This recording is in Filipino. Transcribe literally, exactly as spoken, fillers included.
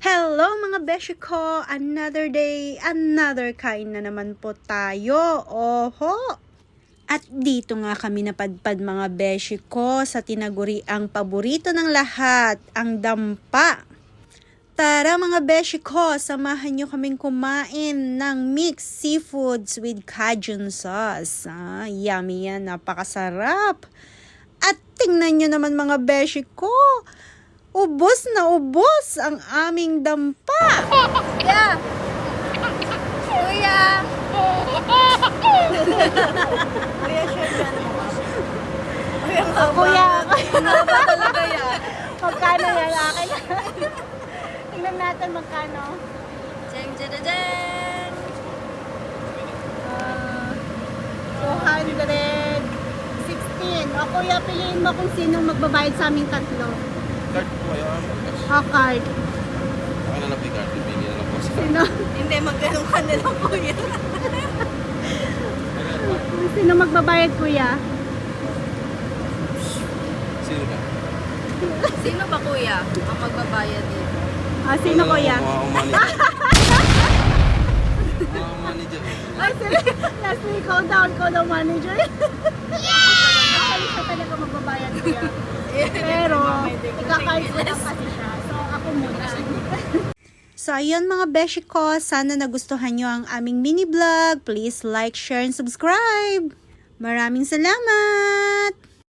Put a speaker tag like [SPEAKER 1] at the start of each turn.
[SPEAKER 1] Hello mga beshi ko! Another day, another kain na naman po tayo. Oho! At dito nga kami napadpad mga beshi ko sa tinaguri ang paborito ng lahat, ang dampa. Tara mga beshi ko, samahan nyo kaming kumain ng mixed seafoods with Cajun sauce. Ah, yummy yan, napakasarap. At tingnan nyo naman mga beshi ko, ubos na ubos ang aming dampa.
[SPEAKER 2] Kuya! Kuya! Kuya, share ka naman. Kuya, nga ba?
[SPEAKER 1] Kuya,
[SPEAKER 2] Nga ba talaga yan?
[SPEAKER 1] magkano yan? Akin na. Tingnan natin magkano.
[SPEAKER 2] Jen, jen, jen, jen!
[SPEAKER 1] Uh, two hundred sixteen. O kuya, piliin mo kung sino magbabayad sa aming tatlo.
[SPEAKER 3] Card po kayo, ah, cash.
[SPEAKER 1] O card.
[SPEAKER 3] Ako na lang po yung card, pipili na lang po sa
[SPEAKER 1] Sino?
[SPEAKER 2] Hindi, magganong ka na lang, kuya.
[SPEAKER 1] Sino magbabayad kuya?
[SPEAKER 3] Sino ka?
[SPEAKER 2] Sino ba, kuya, ang magbabayad dito?
[SPEAKER 1] Ah, sino
[SPEAKER 3] Ako na
[SPEAKER 1] kuya?
[SPEAKER 3] lang po, ako manager. Ako manager.
[SPEAKER 1] Ay, sila. Last week, ikaw daw, ikaw daw manager. Yeah! Ay, siya talaga magbabayad kuya. Pero, ikakard ko lang kasi siya. So, ako muna. So, ayun mga beshi ko. Sana nagustuhan nyo ang aming mini vlog. Please like, share, and subscribe. Maraming salamat!